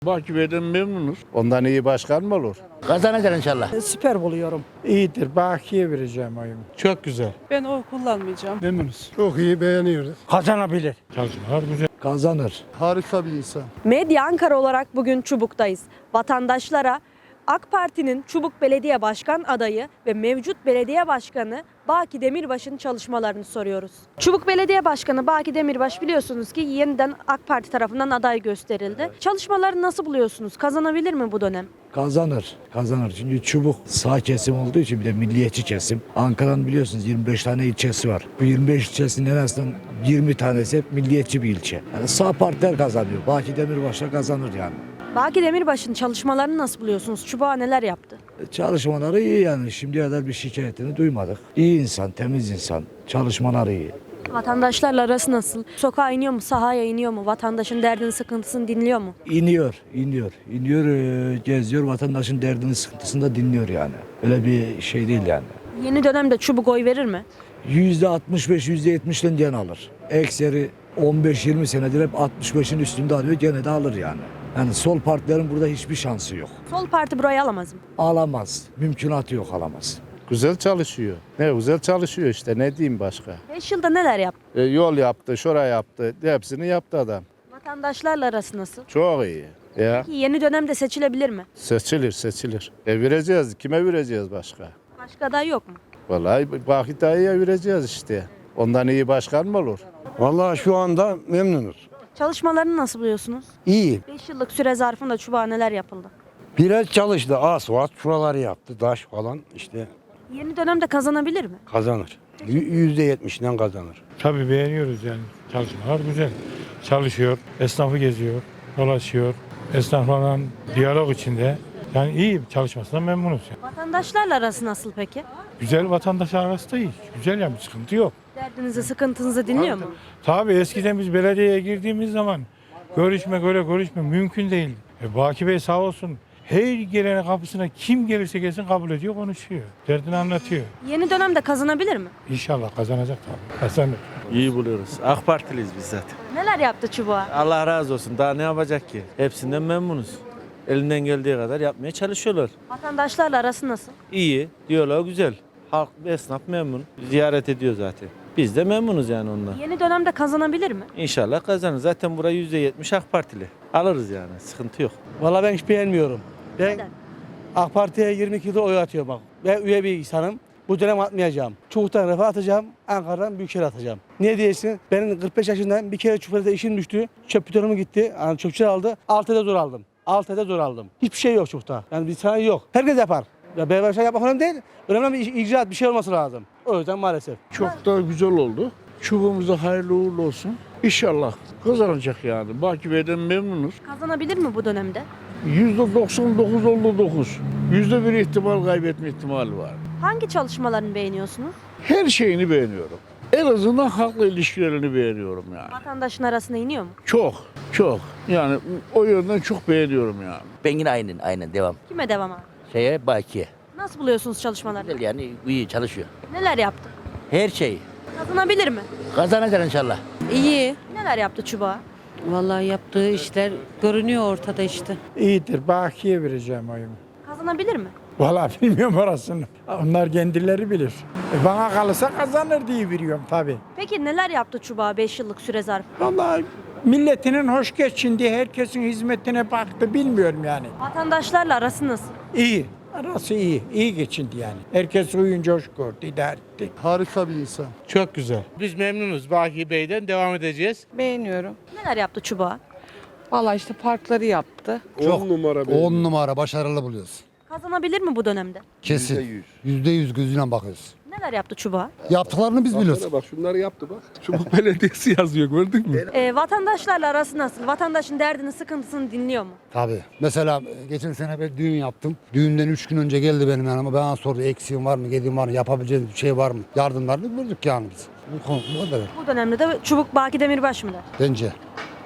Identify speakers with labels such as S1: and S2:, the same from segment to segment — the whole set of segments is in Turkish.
S1: Bakiye'den memnunuz. Ondan iyi başkan mı olur?
S2: Kazanacak inşallah.
S3: Süper buluyorum. İyidir. Bakiye vereceğim oyumu.
S4: Çok güzel.
S5: Ben oy kullanmayacağım.
S4: Memnunuz.
S6: Çok iyi, beğeniyoruz.
S3: Kazanabilir.
S4: Çalışmalar güzel.
S6: Kazanır. Harika bir insan.
S7: Medya Ankara olarak bugün Çubuk'tayız. Vatandaşlara AK Parti'nin Çubuk Belediye Başkan adayı ve mevcut belediye başkanı Baki Demirbaş'ın çalışmalarını soruyoruz. Çubuk Belediye Başkanı Baki Demirbaş biliyorsunuz ki yeniden AK Parti tarafından aday gösterildi. Çalışmaları nasıl buluyorsunuz? Kazanabilir mi bu dönem?
S8: Kazanır. Kazanır. Çünkü Çubuk sağ kesim olduğu için bir de milliyetçi kesim. Ankara'nın biliyorsunuz 25 tane ilçesi var. Bu 25 ilçesinin en azından 20 tanesi hep milliyetçi bir ilçe. Yani sağ partiler kazanıyor. Baki Demirbaş'la kazanır yani.
S7: Baki Demirbaş'ın çalışmalarını nasıl buluyorsunuz? Çubuk'a neler yaptı?
S8: Çalışmaları iyi yani. Şimdiye kadar bir şikayetini duymadık. İyi insan, temiz insan. Çalışmaları iyi.
S7: Vatandaşlarla arası nasıl? Sokağa iniyor mu? Sahaya iniyor mu? Vatandaşın derdini, sıkıntısını dinliyor mu?
S8: İniyor, geziyor. Vatandaşın derdini, sıkıntısını da dinliyor yani. Öyle bir şey değil yani.
S7: Yeni dönemde Çubuk oy verir mi?
S8: %65, %70'den gene alır. Ekseri 15-20 senedir hep 65'in üstünde alıyor. Gene de alır yani. Yani sol partilerin burada hiçbir şansı yok.
S7: Sol parti burayı alamaz mı?
S8: Alamaz. Mümkünatı yok, alamaz.
S1: Güzel çalışıyor. Ne güzel çalışıyor işte, ne diyeyim başka.
S7: 5 yılda neler yaptı?
S1: Yol yaptı, şuraya yaptı. Hepsini yaptı adam.
S7: Vatandaşlarla arası nasıl?
S1: Çok iyi. Ya
S7: Peki yeni dönemde seçilebilir mi?
S1: seçilir. Vereceğiz. Kime vereceğiz başka?
S7: Başka aday yok mu?
S1: Vallahi Baki dayıya vereceğiz işte. Ondan iyi başkan mı olur?
S6: Vallahi şu anda memnunuz.
S7: Çalışmalarını nasıl buluyorsunuz?
S6: İyi.
S7: 5 yıllık süre zarfında Çubuk'a neler yapıldı?
S6: Biraz çalıştı. Asfalt şuraları yaptı. Taş falan işte
S7: Yeni dönemde kazanabilir mi?
S6: kazanır. %70'den kazanır.
S4: Tabii beğeniyoruz yani. Çalışmalar güzel. Çalışıyor, esnafı geziyor, dolaşıyor. Esnaflarla diyalog içinde. Yani iyi çalışmasından memnunuz. Yani.
S7: Vatandaşlarla arası nasıl peki?
S4: Güzel, vatandaş arası da iyi. Güzel yani, bir sıkıntı yok.
S7: Derdinizi, sıkıntınızı dinliyor mu?
S4: Tabii eskiden biz belediyeye girdiğimiz zaman görüşme mümkün değildi. Baki Bey sağ olsun her gelen kapısına kim gelirse gelsin kabul ediyor, konuşuyor. Derdini anlatıyor.
S7: Yeni dönemde kazanabilir mi?
S4: İnşallah kazanacak tabii. Kazanır.
S9: İyi buluyoruz. AK Partiliyiz biz zaten.
S7: Neler yaptı Çubuk'a?
S9: Allah razı olsun. Daha ne yapacak ki? Hepsinden memnunuz. Elinden geldiği kadar yapmaya çalışıyorlar.
S7: Vatandaşlarla arası nasıl?
S9: İyi, diyorlar güzel. Halk, esnaf memnun. Ziyaret ediyor zaten. Biz de memnunuz yani ondan.
S7: Yeni dönemde kazanabilir mi?
S9: İnşallah kazanır. Zaten burayı %70 AK Partili. Alırız yani. Sıkıntı yok.
S10: Vallahi ben hiç beğenmiyorum. Ben
S7: Neden?
S10: AK Parti'ye 22 yıldır oy atıyorum bak. Ben üye bir insanım. Bu dönem atmayacağım. Çubuk'tan Refah atacağım, Ankara'dan Büyükşehir atacağım. Niye diyeceksin? Benim 45 yaşındayım. Bir kere Çubuk'ta işim düştü. Çöp bidonum gitti. Yani çöpçüler aldı. 6 ayda zor aldım. 6 ayda zor aldım. Hiçbir şey yok Çubuk'ta. Yani bir sanayi yok. Herkes yapar. Ya beraber şey yapmak önemli değil. Önemli bir icraat, bir şey olması lazım. O yüzden maalesef.
S1: Çok da güzel oldu. Çubuğumuza hayırlı uğurlu olsun. İnşallah kazanacak yani. Bakiye'den memnunuz.
S7: Kazanabilir mi bu dönemde?
S1: %99 oldu 9. %1 ihtimal kaybetme ihtimali var.
S7: Hangi çalışmalarını beğeniyorsunuz?
S1: Her şeyini beğeniyorum. En azından halkla ilişkilerini beğeniyorum yani.
S7: Vatandaşın arasına iniyor mu?
S1: Çok. Yani o yönden çok beğeniyorum yani.
S2: Ben yine aynen devam.
S7: Kime devam abi?
S2: Bakiye.
S7: Nasıl buluyorsunuz çalışmalarını?
S2: Güzel yani, iyi çalışıyor.
S7: Neler yaptı?
S2: Her şey.
S7: Kazanabilir mi?
S2: Kazanacak inşallah.
S5: İyi.
S7: Neler yaptı Çubuk'a?
S5: Vallahi yaptığı işler görünüyor ortada işte.
S3: İyidir. Bakiye vereceğim oyumu.
S7: Kazanabilir mi?
S3: Vallahi bilmiyorum orasını. Onlar kendileri bilir. Bana kalırsa kazanır diye veriyorum tabii.
S7: Peki neler yaptı Çubuk'a 5 yıllık süre zarfı?
S3: Vallahi milletinin hoş geçindiği, herkesin hizmetine baktı bilmiyorum yani.
S7: Vatandaşlarla arası nasıl?
S3: İyi. Arası iyi. İyi geçindi yani. Herkes uyunca hoş gördü, idare etti.
S6: Harika bir insan.
S4: Çok güzel.
S11: Biz memnunuz. Baki Bey'den devam edeceğiz.
S5: Beğeniyorum.
S7: Neler yaptı Çubuk'a?
S5: Vallahi işte parkları yaptı.
S6: 10 numara başarılı buluyoruz.
S7: Kazanabilir mi bu dönemde?
S6: Kesin. %100 gözüyle bakıyoruz.
S7: Neler yaptı Çubuk'a?
S6: Yaptıklarını biz biliyoruz.
S4: Bak şunları yaptı bak. Çubuk Belediyesi yazıyor, gördün mü?
S7: Vatandaşlarla arası nasıl? Vatandaşın derdini, sıkıntısını dinliyor mu?
S6: Tabii. Mesela geçen sene bir düğün yaptım. Düğünden 3 gün önce geldi benim yanıma. Bana sordu eksiğim var mı, gediğim var mı, yapabileceğim bir şey var mı? Yardımlarını verdik yani biz. Bu konu bu kadar
S7: Bu dönemde de Çubuk Baki Demirbaş mı der?
S6: bence.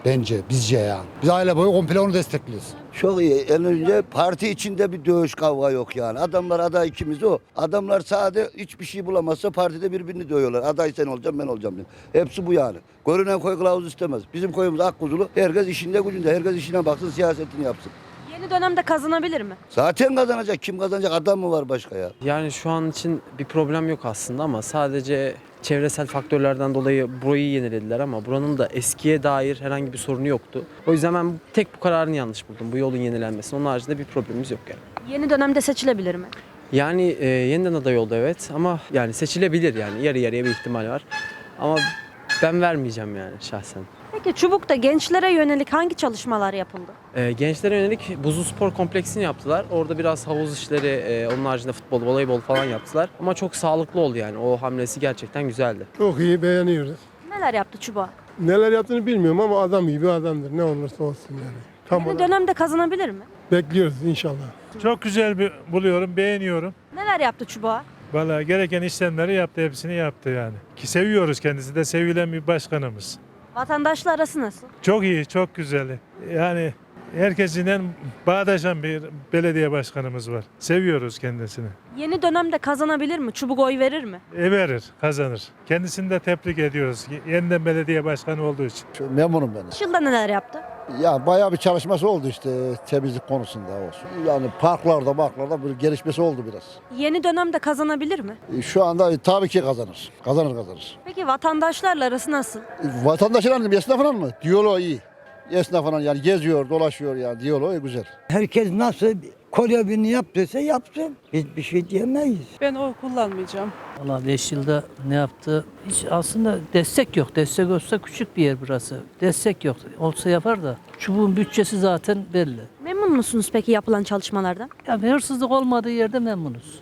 S6: Bence, bizce yani. Biz aile boyu komple onu destekliyoruz.
S12: Çok iyi. En önce parti içinde bir dövüş kavga yok yani. Adamlar aday ikimiz o. Adamlar sade hiçbir şey bulamazsa partide birbirini dövüyorlar. Aday sen olacaksın ben olacağım diye. Hepsi bu yani. Görünen koy kılavuz istemez. Bizim koyumuz akkuzulu. Herkes işinde gücünde. Herkes işine baksın, siyasetini yapsın.
S7: Yeni dönemde kazanabilir mi?
S12: Zaten kazanacak. Kim kazanacak? Adam mı var başka ya?
S13: Yani şu an için bir problem yok aslında ama sadece çevresel faktörlerden dolayı burayı yenilediler ama buranın da eskiye dair herhangi bir sorunu yoktu. O yüzden ben tek bu kararını yanlış buldum. Bu yolun yenilenmesi. Onun haricinde bir problemimiz yok yani.
S7: Yeni dönemde seçilebilir mi?
S13: Yani yeniden aday oldu evet ama yani seçilebilir yani yarı yarıya bir ihtimal var. Ama ben vermeyeceğim yani şahsen.
S7: Peki Çubuk'ta gençlere yönelik hangi çalışmalar yapıldı?
S13: Gençlere yönelik buzlu spor kompleksini yaptılar. Orada biraz havuz işleri, onun haricinde futbol, voleybol falan yaptılar. Ama çok sağlıklı oldu yani. O hamlesi gerçekten güzeldi.
S3: Çok iyi, beğeniyoruz.
S7: Neler yaptı Çubuk'a?
S3: Neler yaptığını bilmiyorum ama adam iyi bir adamdır. Ne olursa olsun yani.
S7: Yeni dönemde kazanabilir mi?
S3: Bekliyoruz inşallah.
S4: Çok güzel buluyorum, beğeniyorum.
S7: Neler yaptı Çubuk'a?
S4: Vallahi gereken işlemleri yaptı, hepsini yaptı yani. Ki seviyoruz, kendisi de sevilen bir başkanımız.
S7: Vatandaşla arası nasıl?
S4: Çok iyi, çok güzel. Yani herkesinden bağdaşan bir belediye başkanımız var. Seviyoruz kendisini.
S7: Yeni dönemde kazanabilir mi? Çubuk oy verir mi?
S4: Verir, kazanır. Kendisini de tebrik ediyoruz. Yeniden belediye başkanı olduğu için.
S6: Memnunum ben.
S7: 5 yılda neler yaptı?
S6: Ya bayağı bir çalışması oldu işte temizlik konusunda olsun. Yani parklarda bir gelişmesi oldu biraz.
S7: Yeni dönemde kazanabilir mi?
S6: Şu anda tabii ki kazanır. Kazanır.
S7: Peki vatandaşlarla arası nasıl?
S6: Vatandaşlarla esnafla mı? Diyaloğu iyi. Esnafla yani geziyor, dolaşıyor yani diyaloğu güzel.
S2: Herkes nasıl görevini yaptıysa yapsın. Biz bir şey diyemeyiz.
S5: Ben oy kullanmayacağım.
S10: Valla 5 yılda ne yaptı? Hiç aslında destek yok. Destek olsa küçük bir yer burası. Destek yok. Olsa yapar da. Çubuğun bütçesi zaten belli.
S7: Memnun musunuz peki yapılan çalışmalardan?
S10: Yani hırsızlık olmadığı yerde memnunuz.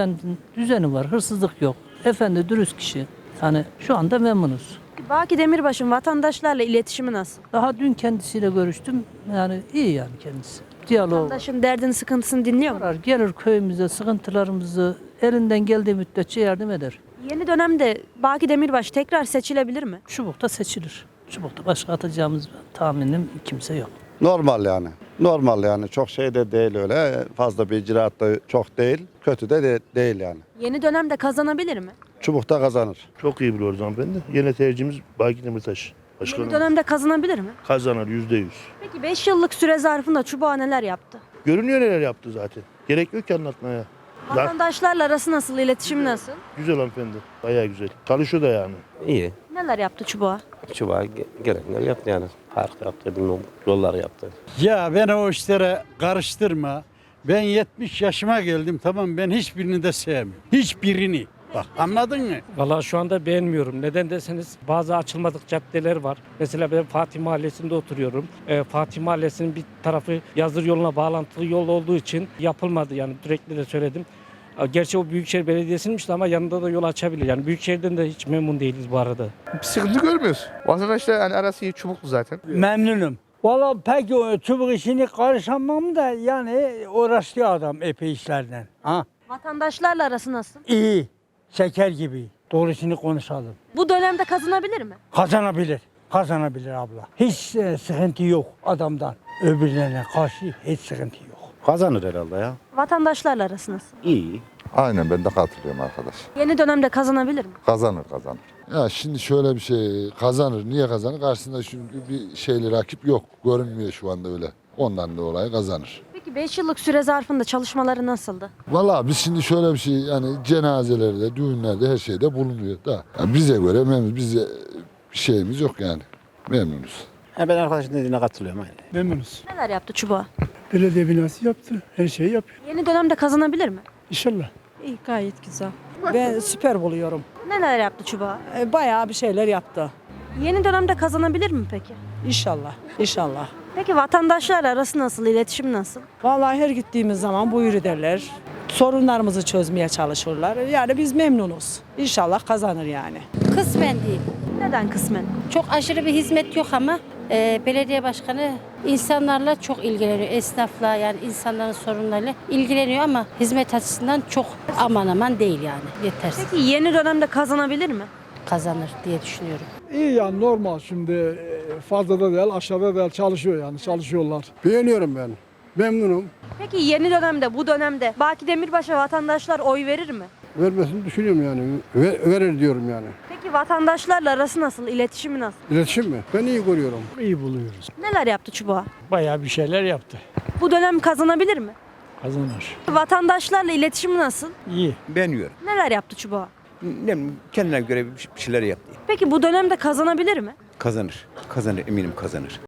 S10: Düzeni var. Hırsızlık yok. Efendi, dürüst kişi. Hani şu anda memnunuz.
S7: Baki Demirbaş'ın vatandaşlarla iletişimi nasıl?
S10: Daha dün kendisiyle görüştüm. Yani iyi yani kendisi. Diyalog
S7: Vatandaşın derdini, sıkıntısını dinliyor mu?
S10: var. Gelir köyümüze sıkıntılarımızı elinden geldiği müddetçe yardım eder.
S7: Yeni dönemde Baki Demirbaş tekrar seçilebilir mi?
S10: Çubuk'ta seçilir. Çubuk'ta başka atacağımız tahminim kimse yok.
S6: Normal yani. Normal yani. Çok şey de değil öyle. Fazla bir icraat da çok değil. Kötü de değil yani.
S7: Yeni dönemde kazanabilir mi?
S6: Çubuk'ta kazanır.
S11: Çok iyi biliyoruz hanımefendi. Yine tercihimiz Baki Demirtaş.
S7: Yeni dönemde kazanabilir mi?
S11: Kazanır %100.
S7: Peki 5 yıllık süre zarfında Çubuk'a neler yaptı?
S11: Görünüyor neler yaptı zaten. Gerek yok ki anlatmaya.
S7: Vatandaşlarla arası nasıl, iletişim nasıl?
S11: Güzel hanımefendi. Bayağı güzel. Çalışıyor da yani.
S13: İyi.
S7: Neler yaptı Çubuk'a?
S13: Çubuğa gerekli yaptı yani. Park yaptı, yollar yaptı.
S10: Ya ben o işlere karıştırma. Ben 70 yaşıma geldim, tamam, ben hiçbirini de sevmiyorum. Hiçbirini. Bak, anladın mı?
S13: Vallahi şu anda beğenmiyorum. Neden deseniz bazı açılmadık caddeler var. Mesela ben Fatih Mahallesi'nde oturuyorum. Fatih Mahallesi'nin bir tarafı Yazır yoluna bağlantılı yol olduğu için yapılmadı. Yani sürekli de söyledim. Gerçi o Büyükşehir Belediyesi'nmiş ama yanında da yol açabilir. Yani Büyükşehir'den de hiç memnun değiliz bu arada.
S11: Bir sıkıntı görmüyoruz. Vatandaşlar yani arası iyi, çubuklu zaten.
S10: Memnunum. Valla pek o çubuk işini karışamam da yani uğraşıyor adam epey işlerden. Ha?
S7: Vatandaşlarla arası nasıl?
S10: İyi. Şeker gibi. Doğrusunu konuşalım.
S7: Bu dönemde kazanabilir mi?
S10: Kazanabilir abla. Hiç sıkıntı yok adamdan. Öbürlerine karşı hiç sıkıntı yok.
S6: Kazanır herhalde ya.
S7: Vatandaşlarla arası nasıl?
S6: İyi.
S12: Aynen ben de katılıyorum arkadaş.
S7: Yeni dönemde kazanabilir mi?
S12: Kazanır. Ya şimdi şöyle bir şey kazanır. Niye kazanır? Karşısında şimdi bir şeyli rakip yok. Görünmüyor şu anda öyle. Ondan dolayı kazanır.
S7: Peki 5 yıllık süre zarfında çalışmaları nasıldı?
S12: Vallahi biz şimdi şöyle bir şey yani cenazelerde, düğünlerde her şeyde bulunuyor da. Yani bize göre memnunuz. Bize bir şeyimiz yok yani. Memnunuz.
S2: Ben arkadaşın dediğine katılıyorum.
S3: Memnunuz.
S7: Neler yaptı Çubuk'a?
S3: Belediye binası yaptı. Her şeyi yapıyor.
S7: Yeni dönemde kazanabilir mi?
S3: İnşallah.
S5: İyi, gayet güzel.
S10: Ben süper buluyorum.
S7: Neler yaptı Çubuk'a?
S10: Bayağı bir şeyler yaptı.
S7: Yeni dönemde kazanabilir mi peki?
S10: İnşallah.
S7: Peki vatandaşlarla arası nasıl, iletişim nasıl?
S10: Vallahi her gittiğimiz zaman buyur ederler. Sorunlarımızı çözmeye çalışırlar. Yani biz memnunuz. İnşallah kazanır yani.
S5: Kısmen değil.
S7: Neden kısmen?
S5: Çok aşırı bir hizmet yok ama belediye başkanı insanlarla çok ilgileniyor. Esnafla yani insanların sorunlarıyla ilgileniyor ama hizmet açısından çok aman değil yani. Yetersiz.
S7: Peki yeni dönemde kazanabilir mi?
S5: Kazanır diye düşünüyorum.
S3: İyi yani normal şimdi fazla da değil, aşağıda değil, çalışıyor yani, çalışıyorlar.
S11: Beğeniyorum ben. Memnunum.
S7: Peki yeni dönemde, bu dönemde Baki Demirbaş'a vatandaşlar oy verir mi?
S11: Vermesini düşünüyorum yani. Verir diyorum yani.
S7: Peki vatandaşlarla arası nasıl, iletişimi nasıl?
S11: İletişim mi? Ben iyi görüyorum.
S3: İyi buluyoruz.
S7: Neler yaptı Çubuk'a?
S3: Bayağı bir şeyler yaptı.
S7: Bu dönem kazanabilir mi?
S3: Kazanır.
S7: Vatandaşlarla iletişimi nasıl?
S3: İyi.
S14: Beğeniyorum.
S7: Neler yaptı Çubuk'a?
S14: Kendine göre bir şeyler yaptı.
S7: Peki bu dönemde kazanabilir mi?
S14: Kazanır. Kazanır, eminim kazanır.